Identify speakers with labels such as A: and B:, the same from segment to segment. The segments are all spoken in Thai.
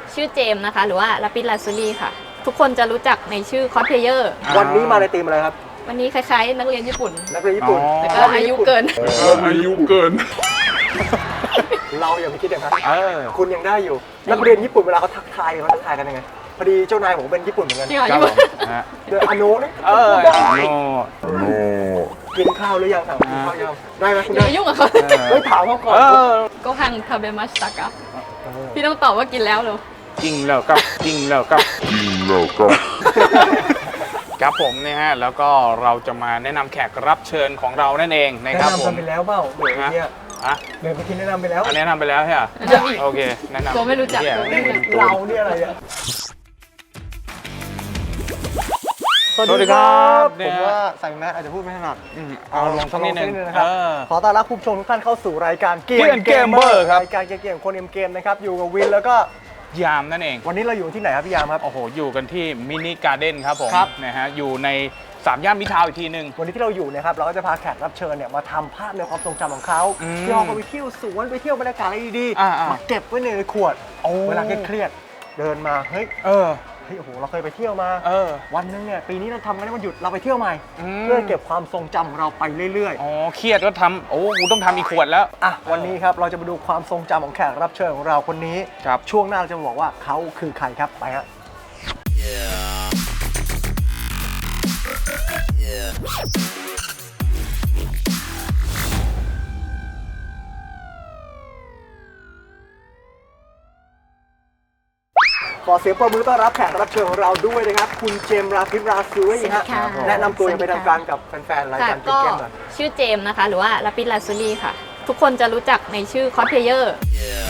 A: ชื่อเจมส์นะคะหรือว่าลาปิดลาซูรี่ค่ะทุกคนจะรู้จักในชื่อคอสเพลเยอร์
B: วันนี้มาในธีมอะไรครับ
A: วันนี้คล้ายๆนักเรียนญี่ปุ่น
B: นักเรียนญี่ปุ่น
A: แต่ก็อายุเกิน
B: เราอย่าไปคิดอย่างนั้นคุณยังได้อยู่นักเรียนญี่ปุ่นเวลาเขาทักทายกันยังไงพอดีเจ้านายผมเป็นญี่ปุ่นเหมือนกัน
A: จริงเหรอญี่ปุ่น
B: เดี๋ยวอโนนี่กินข้าวหรือยังถามกินข้าวยังได้ไหมคุณ
A: อย่าไปยุ่งกับเขา
B: ไม่ถามเขาก่อน
A: ก็ฮังทาเบมัสตะกะพี่ต้องตอบว่ากินแล้วเหรอ
C: จริงแล้วครับผมเนี่ยฮะแล้วก็เราจะมาแนะนำแขกรับเชิญของเรานั่นเองนะครับผม
B: แนะนำไปแล้วเปล่าเดี๋ยวเนี่ยเดี๋ยวไปกินแนะนำไปแล้ว
C: แนะนำไปแล้วใช่ไหมโอเคแนะนำ
A: ก็ไม่รู้จัก
B: เราเนี่ยอะไรอ่ะ
C: สวัสดีครับ
B: ผมว่าใส่แมสอาจจะพูดไม่ถนัด
C: เอาลงสักนิดนึง
B: นะครับขอต้อนรับคุณผู้ชมทุกท่านเข้าสู่รายการเกมเมอร์ครับรายการเกมคนเกมนะครับอยู่กับวินแล้วก็
C: ยามนั่นเอง
B: วันนี้เราอยู่ที่ไหนครับพี่ยามครับ
C: โอ้โหอยู่กันที่มินิการ์เด้นครับผมนะฮะอยู่ใน3 ย่านมิตรทาวน์อีกทีนึง
B: วันนี้ที่เราอยู่นะครับเราก็จะพาแขกรับเชิญเนี่ยมาทำภาพในความทรงจำของเขาที่เราไปเที่ยวสวนไปเที่ยวบรรยากาศอะไรดีๆมาเก็บไว้ในขวดเวลาเครียดเดินมาเฮ้ยโอ้โหเราเคยไปเที่ยวมาวันนึงเนี่ยปีนี้เราทำกันได้วันหยุดเราไปเที่ยวใหม่เพื่อเก็บความทรงจำของเราไปเรื่อย
C: ๆเครียดก็ทำกูต้องทำอีกขวดแล้ว
B: วันนี้ครับเราจะมาดูความทรงจำของแขกรับเชิญของเราคนนี้ช่วงหน้าเราจะบอกว่าเขาคือใครครับไปฮะขอเสียงปรบมือต้อนรับแขกรับเชิญของเราด้วยนะครับคุณเจมส์ราพิบราซูรี่ฮะแนะนำตัวอย่างเป็นทางการกับแฟนๆรายการเกมหน่อย
A: ชื่อเจมส์นะคะหรือว่าลาปิดลาซูรี่ค่ะทุกคนจะรู้จักในชื่อคอสเพลเยอร์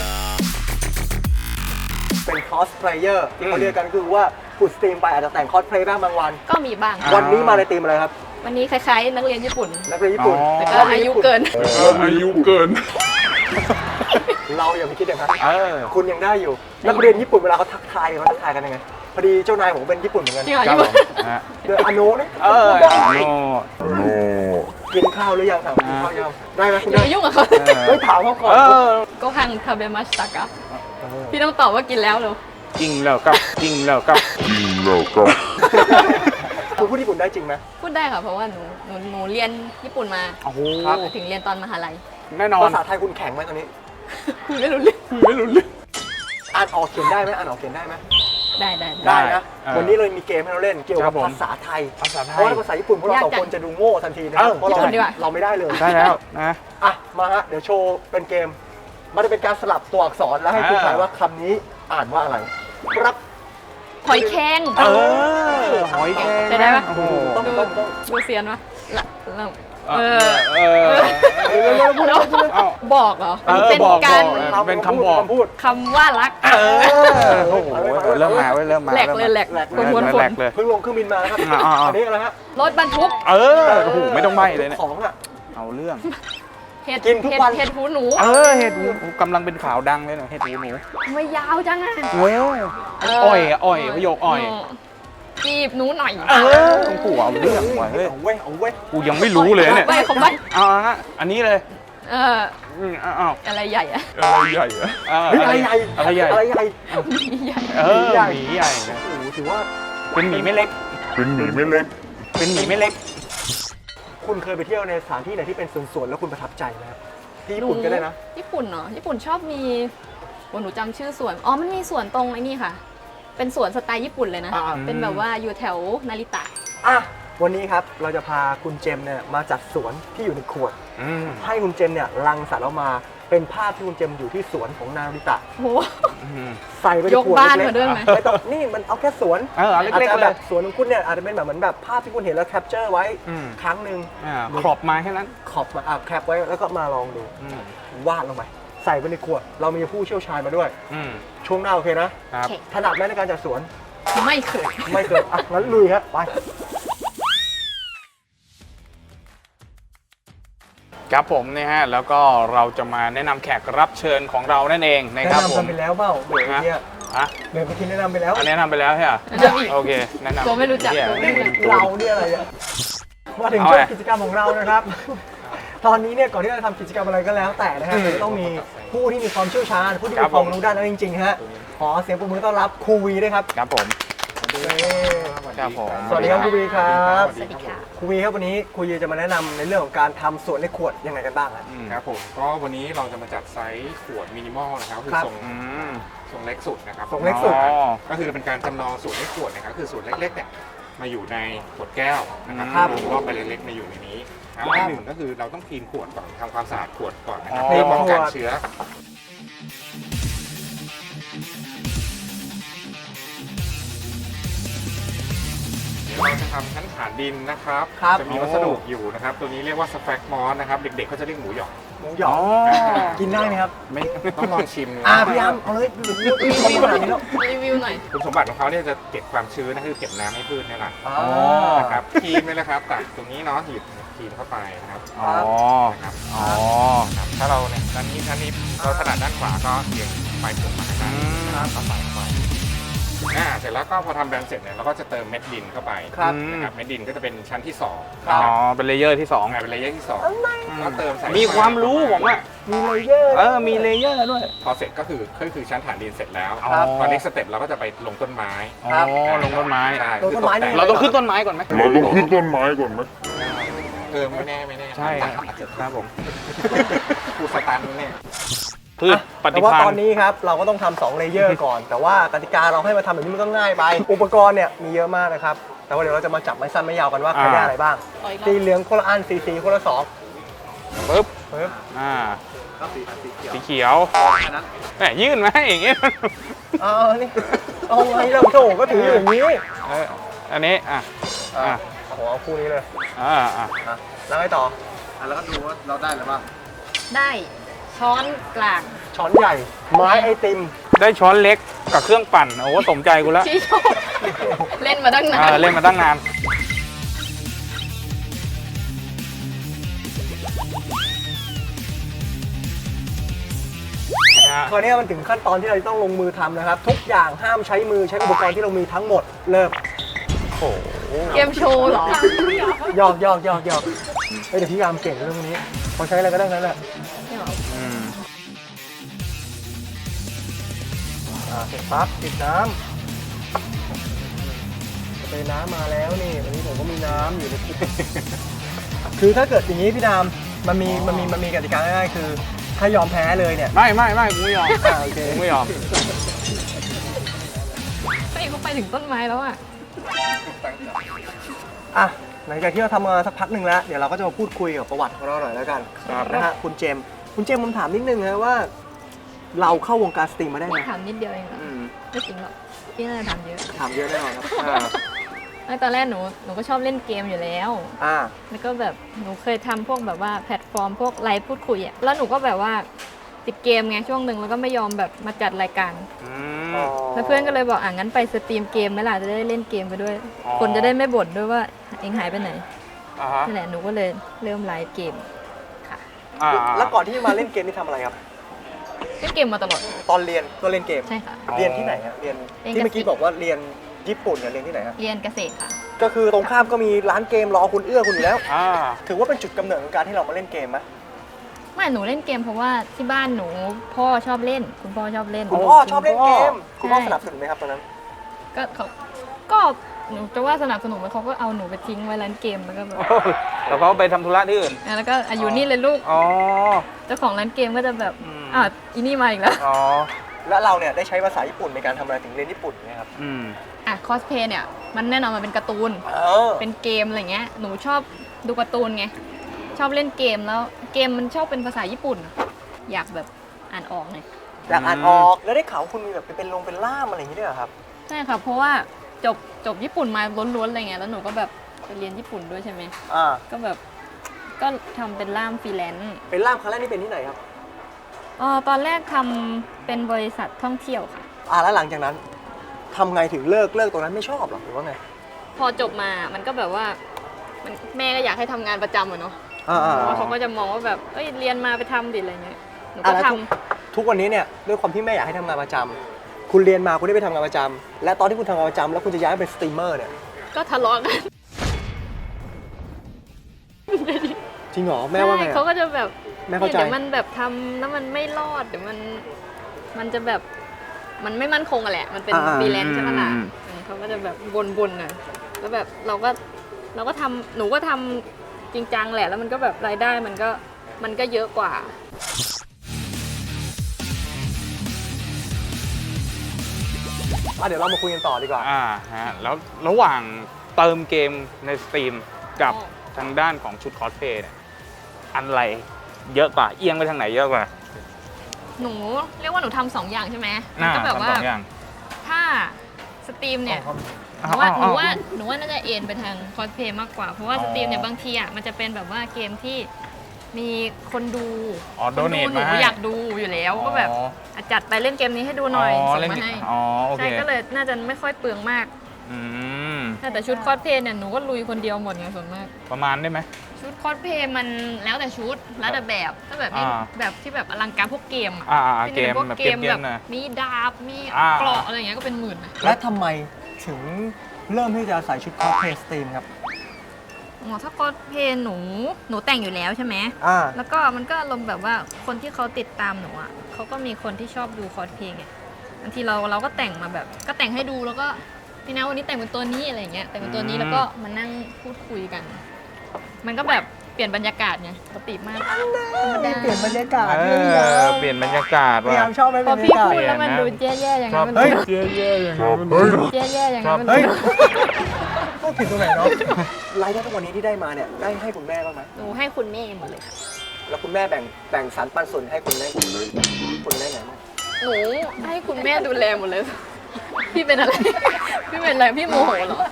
B: เป็นคอสเพลเยอร์ที่เขาเรียกกันคือว่าขุดสตรีมไปอาจจะแต่งคอสเพลย์บ้างบางวัน
A: ก็มีบ้าง
B: วันนี้มาในธีมอะไรครับ
A: วันนี้คล้ายๆนักเรียนญี่ปุ่นแต่ก็อายุเกิน
B: เราอย่าไปคิดอย่างนั้นคุณยังได้อยู่นักเรียนญี่ปุ่นเวลาเขาทักทายกันยังไงพอดีเจ้านายผมเป็นญี่ปุ่นเหมือนกัน
A: จริงเหรอญี่ปุ่น
B: เดี๋ยวอโนนี่กินข้าวหรือยังถามกินข้าวยังได้ไหมคุณ
A: อย่าไปยุ่งกับเขา
B: ไม่ถามเขาก่อน
A: ก็ฮังทาเบมัสตะกะพี่ต้องตอบว่ากินแล้วเหรอ
C: จริงแล้วครับ
B: คุณพูดญี่ปุ่นได้จริงไหม
A: พูดได้ค่ะเพราะว่าหนูเรียนญี่ปุ่นมาถึงเรียนตอนมหาลัย
C: แน่นอน
B: ภาษาไทยคุณแข็งไหมตอนนี้
A: คุยไม่รู้เรื่อง
B: อ่านออกเขียนได้ไหม
A: ได้
B: นะวันนี้เลยมีเกมให้เราเล่นเกี่ยวกับภาษาไทยเพราะว่าภาษาญี่ปุ่นพวกเราสองคนจะดูโง่ทันทีนะครับเพราะเราไม่ได้เลย
C: ได้แล้วนะ
B: มาฮะเดี๋ยวโชว์เป็นเกมมันจะเป็นการสลับตัวอักษรแล้วให้คุณทายว่าคำนี้อ่านว่าอะไรครับ
A: หอยแครง
C: หอยแครง
A: ใช่ได้ปะ
B: ต้อง
A: ดูเซียนปะบอกเหรอ
C: เป็นคำบอก
A: คำว่ารัก
C: โอ้โหเริ่มมา
A: แหลกเลยคน
B: เพิ่งลงเครื่องบินมาครับอันนี้อะไรฮะ
A: รถบรรทุก
C: โอ้โหไม่ต้องใบ้เลยเนี่ย
B: ของอ่ะ
C: เอาเรื่อง
A: เห็ดหูหนู
C: เห็ดหูกำลังเป็นข่าวดังเลยเนาะเห็ดหูหนู
A: ไม่ยาวจังอ่ะ
C: อ้อยประโยคอ้อย
A: จีบหนูหน่อย
C: ต้องกูเอาเรื่องว่ะเฮ้ย
B: เอาเว้ย
C: กูยังไม่รู้เลยเนี่ยอันนี้เลย
A: อะไรใหญ่อะ
C: อะไรใหญ่
B: หมีใหญ่
C: โอ้
B: ถือว่า
C: เป็นหมีไม่เล็ก
B: คุณเคยไปเที่ยวในสถานที่ไหนที่เป็นสวนแล้วคุณประทับใจไหมครับที่ญี่ปุ่นก็ได้นะ
A: ญี่ปุ่นเนาะญี่ปุ่นชอบมีหนูจำชื่อสวนมันมีสวนตรงไอ้นี่ค่ะเป็นสวนสไตล์ญี่ปุ่นเลยนะเป็นแบบว่าอยู่แถวนาริตะ
B: วันนี้ครับเราจะพาคุณเจมเนี่ยมาจัดสวนที่อยู่ในขวดให้คุณเจมเนี่ยรังสรรค์ออกมาเป็นภาพที่คุณเจมอยู่ที่สวนของนาริตะใส่ไปในขวด
A: ยกบ้านมาด้วยไหม
B: ไม่ต้องนี่มันเอาแค่สวนอาจจะแบบสวนของคุณเนี่ยอาจจะเป็นแบบเหมือนแบบภาพที่คุณเห็นแล้วแคปเจอร์ไว้ครั้งหนึ่ง
C: ขอบมาแค่นั้น
B: ขอบมาแคปไว้แล้วก็มาลองดูวาดลงไปใส่ไปในขวดเรามีผู้เชี่ยวชาญมาด้วยช่วงหน้าโอเคนะถนัดไหมในการจัดสวน
A: ไม่เคย
B: งั้นลุยครับไป
C: ครับผมเนี่ยฮะแล้วก็เราจะมาแนะนำแขกรับเชิญของเรานั่นเองนะครับผม
B: แนะนำไปแล้วเปล่าเดี๋ยวไปกินแนะนำไปแล้ว
C: แนะนำไปแล้วใช่ไหมโอเคแนะนำ
A: ก็ไม่รู้จัก
B: เราเนี่ยอะไรมาถึงช่วงกิจกรรมของเรานะครับตอนนี้เนี่ยก่อนที่เราจะทำกิจกรรมอะไรก็แล้วแต่นะครับต้องมีผู้ที่มีความเชี่ยวชาญผู้ที่มีความรู้ด้านนั้นจริงๆฮะขอเสียงปรบมือต้อนรับครูวีด้วยครับ
C: ครับผมครับผม
B: สวัสดีครับครูวีครับ
A: สวัสดีค่ะ
B: ครูวีครับวันนี้ครูวีจะมาแนะนำในเรื่องของการทำสวนในขวดยังไงกันบ้างครับ
D: ครับผมก็วันนี้เราจะมาจัดไซส์ขวดมินิมอลนะครับคือ
B: ครับ
D: ทรงเล็กสุดนะครับ
B: ทรงเล็กสุด
D: ก็คือเป็นการจำลองสูตรในขวดนะครับคือสูตรเล็กๆเนี่ยมาอยู่ในขวดแก้วนะครับ
B: ครับ
D: รอบใบเล็กๆมาอยู่ในนี้ครับ
B: ครับ
D: อันหนึ่งก็คือเราต้องคลีนขวดก่อนทำความสะอาดขวดก่อนนะครับ
B: คลี
D: เพื่อน ป้องกัน
B: ขวด
D: เชื้อเดี๋ยวเราจะทำชั้นฐานดินนะครับ
B: ครับ
D: จะมีวัสดุอยู่นะครับตัวนี้เรียกว่าสแฟกมอสนะครับเด็กๆเขาจะเรียกหมูหยอง
B: หมูหยองกินได้ไหมครับ
D: ไม่ต้องลองชิมดู
B: พี่อ้ำเอาเลยพูดขนาดนี้แล้ว
A: รีวิวหน่อย
D: คุณสมบัติของเขาเนี่ยจะเก็บความชื้นนะคือเก็บน้ำให้พืชเนี่ยแหละ
B: อ๋อ
D: นะครับครีมเลยนะครับตักตรงนี้เนาะหยิบครีมเข้าไปนะครับ
C: อ๋อ
D: นะครับ
C: อ๋อ
D: ครับถ้าเราเนี่ยด้านนี้เราถนัดด้านขวาก็เอียงไปผมมาทางด้านนี้นะครับก็ใส่เข้าไปเสร็จแล้วก็พอทำแบรนด์เสร็จเนี่ยเราก็จะเติมเม็ดดินเข้าไป
B: ครับ
D: นะครับเม็ดดินก็จะเป็นชั้นที่2
C: อ๋อ เป็นเลเยอร์ที่สอง
D: เป็นเลเยอร์ที่2ก็เติมใส่
C: มีความรู้ผมอ่ะ
B: มีเลเยอร์
C: มีเลเยอร์ด้วย
D: พอเสร็จก็คือชั้นฐานดินเสร็จแล้ว
C: ครับ
D: ตอนนี้สเต็ปเราก็จะไปลงต้นไม้
C: อ๋อ ลงต้นไม้
D: ใช่
B: ลงต้นไม้นี่
C: เราต้องขึ้นต้นไม้ก่อนไหม
E: เราต้องขึ้นต้นไม้ก่อนไหม
D: ไม่แน่ไม่แน่
C: ใช่ครับผม
D: ครูสตันเนี่ย
C: พืชป
B: แต่
C: ฏิ
B: ว่า
C: พั
B: ต
C: น
B: อน
C: ธ์
B: นี้ครับเราก็ต้องทำ2เลเยอร์ก่อน แต่ว่ากติกาเราให้มาทำแบบนี้มันก็ง่ายไป อุปกรณ์เนี่ยมีเยอะมากนะครับ แต่ว่าเดี๋ยวเราจะมาจับไม้สั้นไม้ยาวกันว่าใครได้อะไรบ้าง
A: ต่ออีกรอบ
B: สีเหลืองคนละอันสีคนละสอง
C: ปึ๊บ
B: ปึ๊บ
C: อ่า
B: แล้วสีเขียว
C: สีเขียวแหมยื่นมาให้อย่างเงี้ย
B: นี่เอาไงเราโถก็ถืออยู่อย่างนี้
C: อันนี้ อ่ะ อ่ะ
B: โอ้โหเอาคู่นี้เลย
C: อ่า อ่ะ
B: อ่ะแล้วไงต่อแล้วก็ดูว่าเราได้อะไรบ้าง
A: ได้ช้อนกลาง
B: ช้อนใหญ่ ไม้ไอติม
C: ได้ช้อนเล็กกับเครื่องปั่น โอ้สมใจกูแล้ว
A: ที่ชอบเล่นมาตั้งนาน
C: เล่นมาตั้งนาน
B: คราวนี้มันถึงขั้นตอนที่เราจะต้องลงมือทำนะครับ ทุกอย่างห้ามใช้มือใช้อุปกรณ์ที่เรามีทั้งหมดเริ่ม
C: โอ้โห
A: เกมโชว์เหรอ
B: หยอกเฮ้ยเดี๋ยวพี่ยามเก่งเรื่องนี้พอใช้อะไรก็ได้นั่นแหละ
C: อืม
B: เสร็จปั๊บปิดน้ำสเปรย์น้ำมาแล้วนี่วันนี้ผมก็มีน้ำอยู่ในคุก คือถ้าเกิดอย่างนี้พี่ดามมันมีกติกาง่ายๆคือถ้ายอมแพ้เลยเนี่ย
C: ไม่กูไม่ยอม
B: โอเค
C: กูไม่ยอม
A: เฮ้ยเขาไปถึงต้นไม้แล้วอ่ะ
B: อ่ะหลังจากที่เราทำมาสักพักหนึ่งแล้วเดี๋ยวเราก็จะมาพูดคุยกับประวัติของเราหน่อยแล้วกัน
C: ครับ
B: นะฮะคุณเจมส์ผมถามนิดนึงนะว่า เราเข้าวงการสตรีมมาได้ไง
A: ถามนิดเดียวเองเหรอไม่จริงหรอกพี่น่าจะถามเยอะ
B: ถามเยอะแน่นอนครับ
A: ไม่ตอนแรกหนูก็ชอบเล่นเกมอยู่แล้ว
B: อ่า
A: แล้วก็แบบหนูเคยทำพวกแบบว่าแพลตฟอร์มพวกไลฟ์พูดคุยอ่ะ แล้วหนูก็แบบว่าติดเกมไงช่วงหนึ่งแล้วก็ไม่ยอมแบบมาจัดรายการ
C: อืม
A: แล้วเพื่อนก็เลยบอกงั้นไปสตรีมเกมไหมล่ะจะได้เล่นเกมไปด้วย
C: อ๋อ
A: คนจะได้ไม่บ่นด้วยว่าเองหายไปไหน
C: อ่าฮะ
A: นั่นแหละหนูก็เลยเริ่มไลฟ์เกมค่ะ
C: อ่า
B: แล้วก่อนที่จะมาเล่นเกมนี่ทำอะไรครับ
A: เล่นเกมมาตลอด
B: ตอนเรียนก็เล่นเกม
A: ใช่ค่ะ
B: เรียนที่ไหนฮะเรียน
A: เรียน
B: ที่เมื่อกี้
A: เกษตร
B: บอกว่าเรียนญี่ปุ่นเนี่ยเรียนที่ไหนฮะ
A: เรียนเกษตรค่ะ
B: ก็คือตรงข้ามก็มีร้านเกมรอคุณเอื้อคุณอยู่แล้ว
C: อ่า
B: ถือว่าเป็นจุดกำเนิดของการที่เรามาเล่นเกมไหม
A: ไม่หนูเล่นเกมเพราะว่าที่บ้านหนูพ่อชอบเล่น คุณพ่อชอบเล่น
B: คุณพ่อชอบเล่นเกม คุณพ่อ
A: ใช่
B: สนับสนุนไหมครับตอนนั้น
A: ก็เขาก็หนูจะว่าสนับสนุนไหมเขาก็เอาหนูไปทิ้งไว้ร้านเกมแล้วก็แบบ
C: แล้วเขาไปทำธุระที่อื่น
A: แล้วก็อยู่นี่เลยลูก
C: อ๋อ
A: เจ้าของร้านเกมก็จะแบบ
C: อืม
A: อีนี่มาอีกแล้ว
C: อ๋อ
B: แล้วเราเนี่ยได้ใช้ภาษาญี่ปุ่นในการทำอะไรถึงเรียนญี่ปุ่นไหมครับ
C: อืม
A: คอสเพย์เนี่ยมันแน่นอนมันเป็นการ์ตูน
B: เป็
A: เป็น นเกมอะไรเงี้ย หนูชอบดูการ์ตูนไง ชอบเล่นเกมแล้วเกมมันชอบเป็นภาษาญี่ปุ่น อยากแบบอ่านออกไง
B: อยากอ่านออก แล้วได้ข่าวว่าคุณมีแบบเป็นล่ามอะไรอย่างนี้ด้วยเหรอครับ
A: ใช่ค่ะ เพราะว่าจบญี่ปุ่นมาล้วนๆอะไรเงี้ย แล้วหนูก็แบบไปเรียนญี่ปุ่นด้วยใช่ไหม
B: อ่า
A: ก็แบบก็ทำเป็นล่ามฟรีแลนซ์
B: เป็นล่ามครั้งแรกนี่เป็นที่ไหนครับ
A: ตอนแรกทำเป็นบริษัทท่องเที่ยวค่ะ
B: แล้วหลังจากนั้นทำไงถึงเลิกตรงนั้นไม่ชอบหรอหรือว่าไง
A: พอจบมามันก็แบบว่าแม่ก็อยากให้ทำงานประจำอะเนาะ
B: อ่า
A: เพราะเขาก็จะมองว่าแบบเอ้ยเรียนมาไปทำดิอะไรเงี้ย หนูก็
B: แล้ว
A: ทำ
B: ทุกวันนี้เนี่ยด้วยความที่แม่อยากให้ทำงานประจำคุณเรียนมาคุณได้ไปทำงานประจำและตอนที่คุณทำงานประจำแล้วคุณจะย้ายไปเป็นสตรีมเมอร์เนี่ย
A: ก็ทะเลาะกัน
B: จริงเหรอแม่ว่าไง
A: ใช่
B: อะ
A: เขาก็จะแบบ
B: แม่เข้าใจ
A: เดี๋ยวมันแบบทำแล้วมันไม่รอดเดี๋ยวมันจะแบบมันไม่มั่นคงอะแหละมันเป็นฟรีแลนซ์ใช่ไหมล่ะเขาก็จะแบบวนๆหน่อยแล้วแบบเราก็ทำหนูก็ทำจริงจังแหละแล้วมันก็แบบรายได้มันก็เยอะกว่า
B: เดี๋ยวเรามาคุยกันต่อดีกว่า
C: ฮะแล้วระหว่างเติมเกมในสตรีมกับทางด้านของชุดคอสเพลย์เนี่ยอันไรเยอะกว่าเอียงไปทางไหนเยอะกว่า
A: หนูเรียกว่าหนูทำสองอย่างใช่ไหมมันก็แบบว่า
C: ทำสองอย่าง
A: ถ้าสตรีมเนี่ยหนูว่าน่าจะเอ็นไปทางคอสเพลย์มากกว่าเพราะว่าสตรีมเนี่ยบางทีอ่ะมันจะเป็นแบบว่าเกมที่มีคนดู
C: โดเนท
A: หนู
C: มาให้
A: อยากดูอยู่แล้วก็แบบจัดไปเล่นเกมนี้ให้ดูหน่อยส่งมาให้
C: โอเค
A: ใช่ก็เลยน่าจะไม่ค่อยเปลืองมาก แต่ชุดคอสเพลย์เนี่ยหนูก็ลุยคนเดียวหมดไงส่วนมาก
C: ประมาณได้ไหม
A: ชุดคอสเพลย์มันแล้วแต่ชุดแล้วแต่แบบก็แบบนี้แบบที่แบบอลังการพวกเกม
C: เกม
A: พวก
C: แบบ
A: เก
C: เก
A: ม
C: ม
A: แบบ
C: นะ
A: มีดาบมี
C: อ่า
A: เกราะอะไรอย่างเงี้ยก็เป็นหมื่นนะ
B: และทำไมถึงเริ่มที่จะใส่ชุดคอสเพลย์สตรีมครับ
A: ถ้าคอสเพลย์หนูแต่งอยู่แล้วใช่ไหม แล้วก็มันก็อารมณ์แบบว่าคนที่เขาติดตามหนูอ่ะเขาก็มีคนที่ชอบดูคอสเพลย์ไงบางทีเราก็แต่งมาแบบก็แต่งให้ดูแล้วก็พี่นะวันนี้แต่งเป็นตัวนี้อะไรอย่างเงี้ยแต่งเป็นตัวนี้แล้วก็มานั่งพูดคุยกัน มันก็แบบเปลี่ยนบรรยากาศไงปกติมากธรรมดา
B: เปลี่ยนบรรยากาศ
C: เปลี่ยนบรรยากาศ
B: พยายามชอบไหม
A: พ
B: บ
A: อ
B: รร
A: พี่
B: ยากาศ
A: พูดแล้วมันดูแย่ๆอย่างนั้นมัน
B: เฮ้ย
C: แย่ๆอย่างนั้น
A: แย่ๆอย่างนั้นมัน
B: เฮ้ยพูดผิดตรงไหนเนาะรายได้ทุกวันนี้ที่ได้มาเนี่ยได้ให้คุณแม่บ้างไหม
A: หนูให้คุณแม่หมดเลยค่ะ
B: แล้วคุณแม่แบ่งสรรปันส่วนให้คุณแม่คุณแม่ไหนบ้าง
A: หนูให้คุณแม่ดูแลหมดเลย พี่เป็นอะไร พี่เป็นอะไร พี่โมโหเหรอ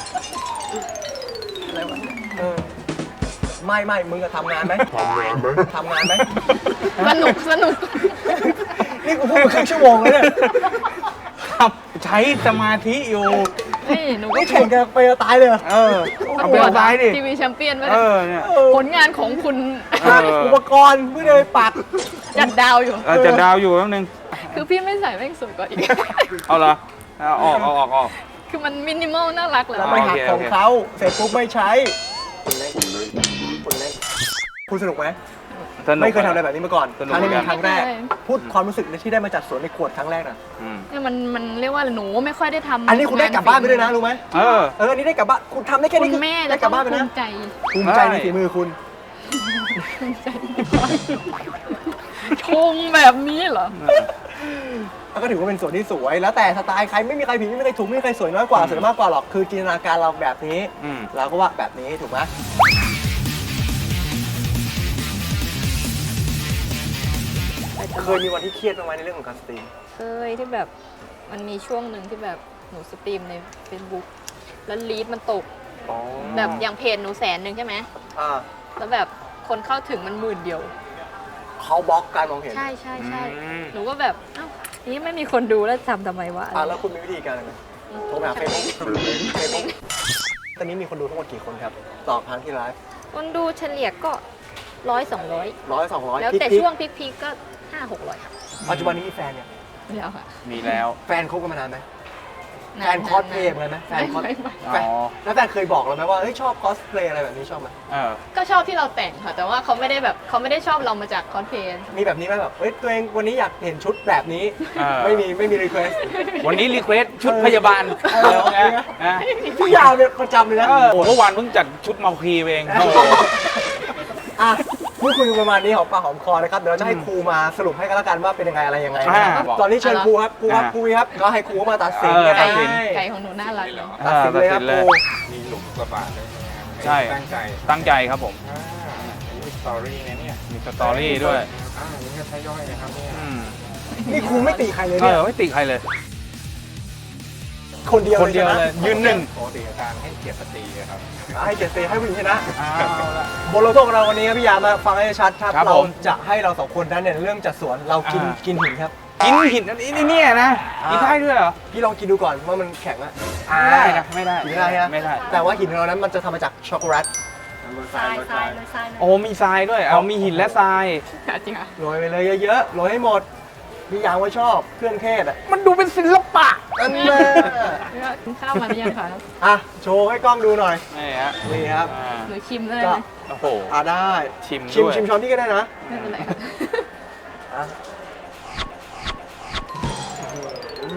A: อะไรวะ
B: ไม่มึงจะทำงานไหมทำงานไหม
A: สนุก
B: นี่กูพูดมาครึ่งชั่วโมงแล้วเนี่ย
C: ครับใช้สมาธิอยู่
A: นี่หนูก็
B: นี่แข่งกันไปจะตายเลยเหรอ
C: เอาไปเอาซ้ายดิ
A: ทีวีแชมเปี้ยนไว้
C: เนี่ย
A: ผลงานของคุณ
B: อุปกรณ์เพื่อเลยปัก
A: จัดดาวอยู่
C: จะดาวอยู่แป๊บนึง
A: คือพี่ไม่ใส่แม่งสวยกว่าอีก
C: เอาเหรอออก
A: คือมันมินิมอลน่ารักแล้
B: แล้ว
A: ว
B: ไปหัก
C: โอเค
B: ของเขาเสร็จปุ๊บไม่ใช้คุณสนุกไหม
C: สนุก
B: ไม่เคยทำอะไรแบบนี้มาก่อน
C: สนุก
B: ครั้งนี้เป็นครั้งแรก
A: ไม่เคย
B: พูดความรู้สึกที่ได้มาจัดสวนในขวดครั้งแรกนะ
A: เนี่ยมันเรียกว่าหนูไม่ค่อยได้ทำ
B: อันนี้คุณได้กลับบ้านไปด้วยนะรู้ไหม อันนี้ได้กลับบ้านคุณทำได้แค่
A: คุ
B: นี้
A: ณ
B: คือ
A: แม่
B: ได้
A: จะ
B: ก
A: ต้
B: ลั
A: อบ ง
B: บ้านไป
A: ภู
B: นะ
A: มิใจ
B: ภูมิใจในฝีมือคุณ
A: ภูมิใจชงแบบนี้เหรอ
B: ก็ถือว่าเป็นสวนที่สวย แล้วแต่สไตล์ใครไม่มีใครผิดไม่มีใครถูกไม่มีใครสวยน้อยกว่าสวยมากกว่าหรอกคือจินตนาการเราแบบนี้ เราก็ว่าแบบนี้ถูกไหมเคยมีวันที่เครียดบ้างไหมในเรื่องของการสตรีม
A: เคยที่แบบมันมีช่วงหนึ่งที่แบบหนูสตรีมใน Facebook แล้วลีดมันตกแบบอย่างเพจหนู100,000ใช่ไหม แล้วแบบคนเข้าถึงมัน10,000 เดียว
B: เขาบล็อกการมองเห็น
A: ใช่หนูก็แบบเอ้านี่ไม่มีคนดูแล้วทำไมวะ
B: แล้วคุณมีวิธีการอะไรโทรไปหาเฟซบุ๊กตอนนี้มีคนดูทั้งหมดกี่คนครับต่อครั้งที่ไลฟ์
A: คนดูเฉลี่ยก็100-200
B: 100-200
A: แล้วแต่
B: พีค
A: ช่วงพีคๆก็500-600 ครับ
B: ปัจจุบันนี้มีแฟนเนี่ย
A: แล้วค่ะ
C: มีแล้ว
B: แฟนคบกันมานานไหมแฟนคอสเพลย์เลยไหมแฟนคอส
A: ไม่
B: แล้วแฟนเคยบอกเราไหมว่าเฮ้ยชอบคอสเพลย์อะไรแบบนี้ชอบไหม
A: ก็ชอบที่เราแต่งค่ะ แต่ว่าเขาไม่ได้ชอบเรามาจากคอนเพลย์
B: มีแบบนี้ไหมแบบเฮ้ยตัวเองวันนี้อยากเห็นชุดแบบนี้ ไม่มีรีเควส
C: วันนี้รีเควสชุดพยาบาล
B: พี่ยาวเนี่ยประจำเลยนะ
C: เมื่อวานเพิ่งจัดชุดมาคีเอง
B: พูดคุยประมาณนี้หอมปากหอมคอนะครับเดี๋ยวเราจะให้ครูมาสรุปให้กันแล้วกันว่าเป็นยังไงอะไรยังไงตอนนี้เชิญครูครับครูครับก็ให้ครูมาตัดสิน
A: ไก่ของหนูน่ารักเลย
B: ตัดสินเลยครับครู
D: มีหลุมกระบาดด้วยนะครับ
C: ใช่
D: ตั้งใจ
C: ครับผม
D: อันนี้มีสตอรี่นะเนี่ย
C: มีสตอรี่ด้วย
D: อันนี้ก็ใช้ย่อยนะครับเนี่ย
B: นี่ครูไม่ตีใครเลยเนี่ย
C: ไม่ติใครเลย
B: คนเดียว
C: คนเดียวเลยยืนหนึ่ง
D: ปกติอาจารย์ให้เกียรติสตรีครับ
B: ให้เกียรติให้ผู้หญิงชนะบทลงโทษของเราวันนี้ครับพี่ยามาฟังให้ชัดครับเราจะให้เราสองคนนั้นเนี่ยเรื่องจัดสวนเรากินหินครับ
C: กินหินอันนี้เนี่ยนะกินได้ด้วยเหรอ
B: พี่ลองกินดูก่อนว่ามันแข็งอะ
C: ไม่ได้นะไม่ได้
B: ไม่ได้ฮะ
C: ไม่ได้
B: แต่ว่าหินของเรานั้นมันจะทำมาจากช็อกโกแลต
A: ทราย
C: โอ้มีทรายด้วยเอามีหินและทราย
A: จริงอ่ะ
B: โรยไปเลยเยอะๆโรยให้หมดพี่ยางว่าชอบเครื่องเทศอ่ะ
C: มันดูเป็นศิลปะ
B: อันนี้
A: กินข้าวมาหรือยังคะ
B: อ่ะโชว์ให้กล้องดูหน่อย
C: นี่ฮะ
B: นี่ครับ
A: หนูชิมได้
B: ก็
A: ไหม
C: โอ้โห
B: ได้
C: ชิม
B: ชิม
C: ด้วย
B: ช้อนที่ก็ได้นะ
A: ไม่เป็นไรค่ะ
B: อ่ะ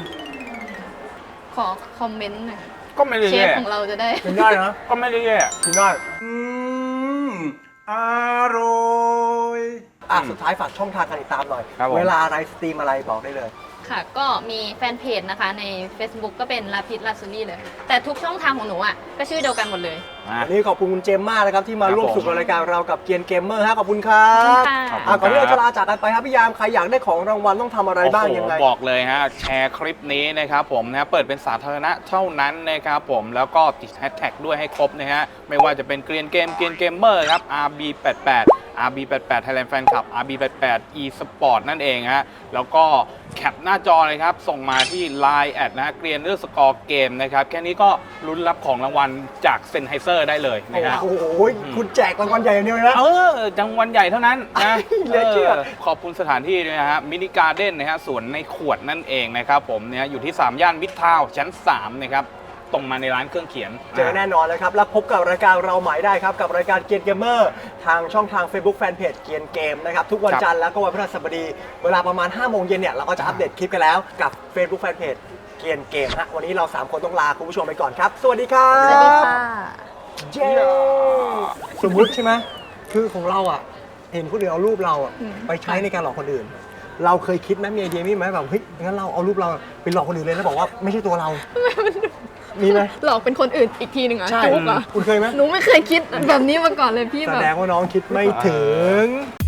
A: ขอคอมเมนต์หน่อยค่ะ
C: ก็ไม่ได้
A: เชฟ
C: แย่
A: ของเราจะได้
B: กินได้นะ
C: ก็ไม่ได้แย่
B: กินได้อร่อยสุดท้ายฝากช่องทางการติดตามหน่อย
C: ครับผม
B: เวลาอะไรสตรีมอะไรบอกได้เลย
A: ค่ะ ก็มีแฟนเพจนะคะใน Facebook ก็เป็นลาพิษลาซูรี่เลย แต่ทุกช่องทางของหนูอ่ะก็ชื่อเดียวกันหมดเลย
B: วันนี้ขอบคุณคุณเจมส์มากนะครับที่มา
C: ครับ
B: ร่วมสนุก
C: ผม
B: ในรายการเรากับเกียนเกมเมอร์ฮะขอบคุณครับ
A: ขอบคุณค่ะ
B: ก่อนที่เราจะลาจากกันไปครับพี่ยามใครอยากได้ของรางวัลต้องทำอะไรบ้างยังไง
C: โอ้โหบอกเลยฮะแชร์คลิปนี้นะครับผมนะเปิดเป็นสาธารณะเท่านั้นนะครับผมแล้วก็ติดแฮชแท็กด้วยให้ครบนะฮะไม่ว่าจะเป็นเกรียนเกมเกรียนเกมเมอร์ครับ RB88 RB88 Thailand Fan Club RB88 eSport นั่นเองฮะแล้วก็แคปหน้าจอเลยครับ ส่งมาที่ Line แอดนะเกรียนสกอร์เกมนะครับแค่นี้ก็ลุ้นรับของรางวัลจากเซนไฮเซอร์ได้เลยนะฮะ
B: โอ้โหคุณแจกรางวัลใหญ่อย่างเดียวเลยนะ
C: จังหวัดใหญ่เท่านั้นนะ
B: เหลือเชื่อ
C: ขอบคุณสถานที่ด้วยนะฮะมินิการ์เด้นนะฮะสวนในขวดนั่นเองนะครับผมเนี่ยอยู่ที่ 3 ย่านมิตรทาวน์ชั้น 3 นะครับตรงมาในร้านเครื่องเขียน
B: เจอแน่นอนเลยครับ แล้วพบกับรายการเราใหม่ได้ครับ กับรายการเกียนเกมเมอร์ทางช่องทาง Facebook Fanpage เกียนเกมนะครับ ทุกวันจันทร์แล้วก็วันพฤหัสบดี เวลาประมาณ 5 โมงเย็นเนี่ย เราก็จะอัปเดตคลิปกันแล้วกับ Facebook Fanpage เกียนเกมฮะวันนี้เรา 3 คนต้องลาคุณผู้ชมไปก่อนครับ สวัสดีครับ
A: สวัสดีค่ะ
B: เย้สมมุติใช่ไหมคือของเราอ่ะ เห็นคนอื่นเอารูปเราอ่ะไปใช้ในการหลอกคนอื่น เราเคยคิดไหมมีไอเดียนี้ไหมแบบเฮ้ยงั้นเราเอารูปเราไปหลอกคนอื่นเลยแล้วบอกว่าไม่ใช่ตัวเรา มีไหม
A: หลอกเป็นคนอื่นอีกทีหนึ่งเหรอ
B: ใช่
A: จุกเหรอ
B: คุณเคยไหม
A: หนูไม่เคยคิดแบบนี้มาก่อนเลยพี่
B: แส
A: แบบ
B: ดงว่าน้องคิดไม่ถึง